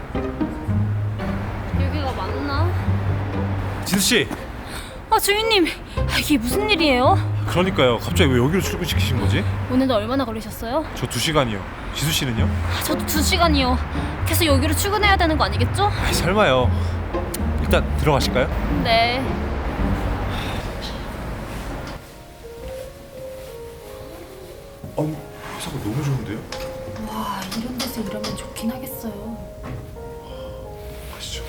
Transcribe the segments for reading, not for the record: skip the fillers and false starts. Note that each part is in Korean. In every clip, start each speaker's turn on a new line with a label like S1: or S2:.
S1: 여기가 맞나?
S2: 진수씨!
S1: 주인님, 이게 무슨 일이에요?
S2: 그러니까요. 갑자기 왜 여기로 출근시키신 거지?
S1: 오늘도 얼마나 걸리셨어요?
S2: 저 2시간이요. 지수씨는요?
S1: 저도 2시간이요. 계속 여기로 출근해야 되는 거 아니겠죠?
S2: 설마요. 일단 들어가실까요?
S1: 네.
S2: 아니, 회사가 너무 좋은데요?
S1: 와, 이런 데서 일하면 좋긴 하겠어요.
S2: 가시죠.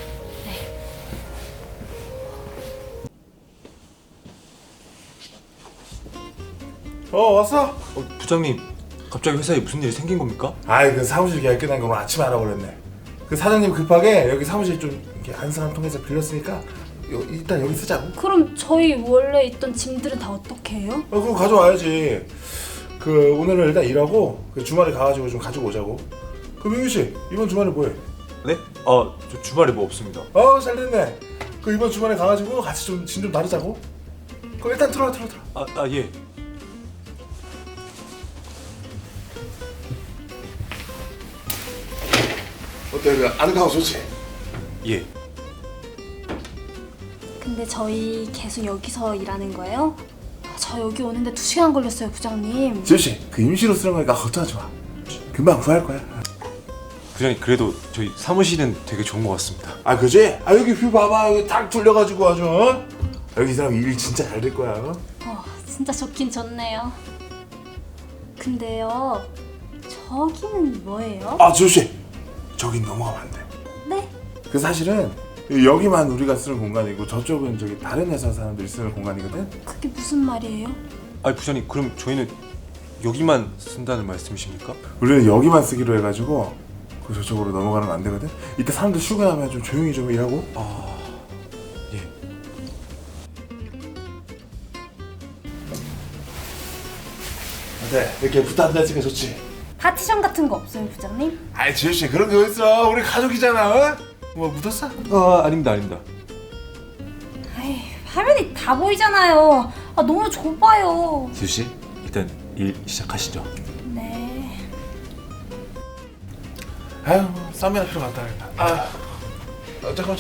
S3: 왔어?
S2: 부장님, 갑자기 회사에 무슨 일이 생긴 겁니까?
S3: 아이 그 사무실 계약 끝난 거 오늘 아침에 알아버렸네. 그 사장님 급하게 여기 사무실 좀 이렇게 안상 한 통해서 빌렸으니까 일단 여기 쓰자고.
S1: 그럼 저희 원래 있던 짐들은 다 어떻게 해요?
S3: 그거 가져와야지. 그 오늘은 일단 일하고 그 주말에 가가지고 좀 가지고 오자고. 그 민규 씨 이번 주말에 뭐해?
S2: 네? 저 주말에 뭐 없습니다.
S3: 잘 됐네. 그 이번 주말에 가가지고 같이 좀 짐 좀 나누자고. 그럼 일단 들어와.
S2: 예.
S3: 어때 그 아늑하고 좋지?
S2: 예.
S1: 근데 저희 계속 여기서 일하는 거예요? 저 여기 오는데 2시간 걸렸어요, 부장님.
S3: 지우 씨그 임시로 쓰는 거니까 걱정하지 마. 금방 구할 거야.
S2: 부장님, 그래도 저희 사무실은 되게 좋은 것 같습니다.
S3: 그지? 여기 뷰 봐봐. 여기 딱 뚫려가지고 아주 여기 이 사람 일 진짜 잘 될 거야.
S1: 진짜 좋긴 좋네요. 근데요, 저기는 뭐예요?
S3: 지우 씨 저긴 넘어가면 안 돼.
S1: 네?
S3: 그 사실은 여기만 우리가 쓰는 공간이고 저쪽은 저기 다른 회사 사람들이 쓰는 공간이거든.
S1: 그게 무슨 말이에요?
S2: 아니 부장님, 그럼 저희는 여기만 쓴다는 말씀이십니까?
S3: 우리는 여기만 쓰기로 해가지고 그 저쪽으로 넘어가는 건 안 되거든. 이따 사람들 출근하면 좀 조용히 좀 일하고.
S2: 예.
S3: 네, 이렇게 붙어 앉아있으니까 좋지.
S1: 파티션 같은 거 없어요, 부장님?
S3: 지우 씨 그런 게 어딨어. 우리 가족이잖아. 뭐 묻었어?
S2: 아닙니다.
S1: 에이, 화면이 다 보이잖아요. 너무 좁아요.
S2: 지수씨, 일단 일 시작하시죠.
S1: 네.
S3: 쌈이나 필요 갔다 와야겠다. 잠깐만.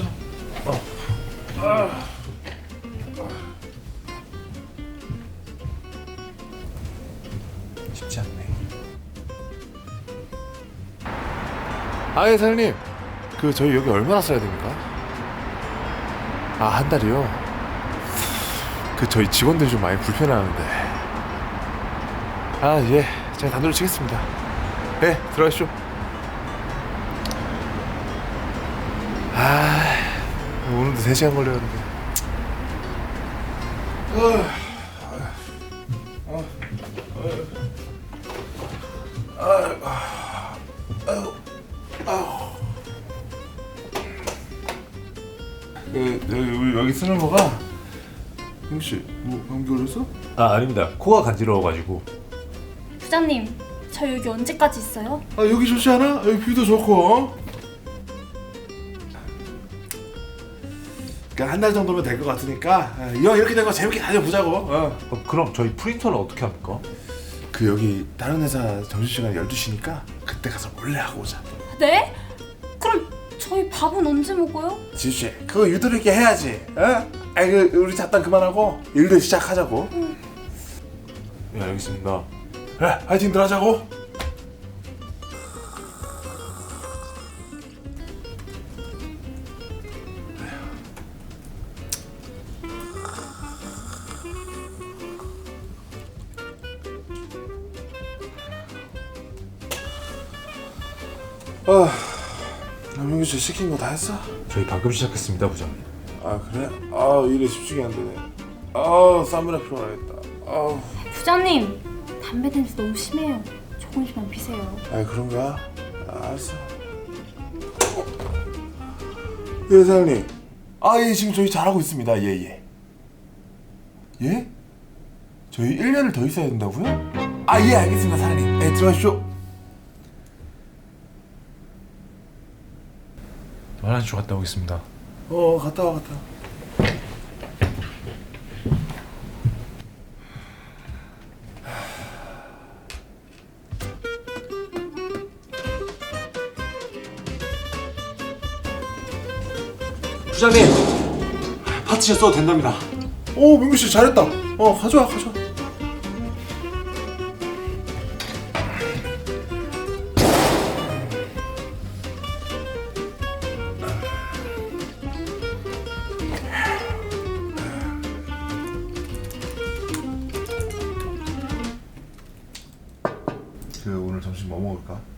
S2: 쉽지 않네.
S3: 예 사장님. 그 저희 여기 얼마나 써야 됩니까? 한 달이요? 그 저희 직원들이 좀 많이 불편해하는데. 예, 제가 단도를 치겠습니다. 들어가시죠. 오늘도 3시간 걸렸는데. 여기 쓰는 거가 혹시 뭐 감기 걸렸어?
S2: 아닙니다. 코가 간지러워가지고.
S1: 부장님, 저 여기 언제까지 있어요?
S3: 여기 좋지 않아? 여기 뷰도 좋고. 그러니까 한 달 정도면 될 것 같으니까 이왕 이렇게 된 거 재밌게 다녀보자고.
S2: 그럼 저희 프린터는 어떻게 합니까?
S3: 그 여기 다른 회사 점심시간 12시니까 그때 가서 몰래 하고 오자.
S1: 네? 그럼 저희 밥은 언제 먹어요?
S3: 지우씨 그거 유도리 있게 해야지. 우리 잡담 그만하고 일도 시작하자고.
S2: 네, 알겠습니다.
S3: 그래 화이팅들 하자고. 민규 씨 시킨 거 다 했어?
S2: 저희 방금 시작했습니다, 부장님.
S3: 그래? 일에 집중이 안 되네. 쌈이나 필요하겠다.
S1: 부장님, 담배 냄새 너무 심해요. 조금씩만 피세요.
S3: 그런가? 알았어. 예 사장님. 예 지금 저희 잘하고 있습니다. 예? 저희 1년을 더 있어야 된다고요? 예 알겠습니다 사장님. 들어가십시오.
S2: 화장실 갔다 오겠습니다.
S3: 갔다 와.
S4: 부장님, 파티션 써도 된답니다.
S3: 민규 씨 잘했다. 가져와. 오늘 점심 뭐 먹을까?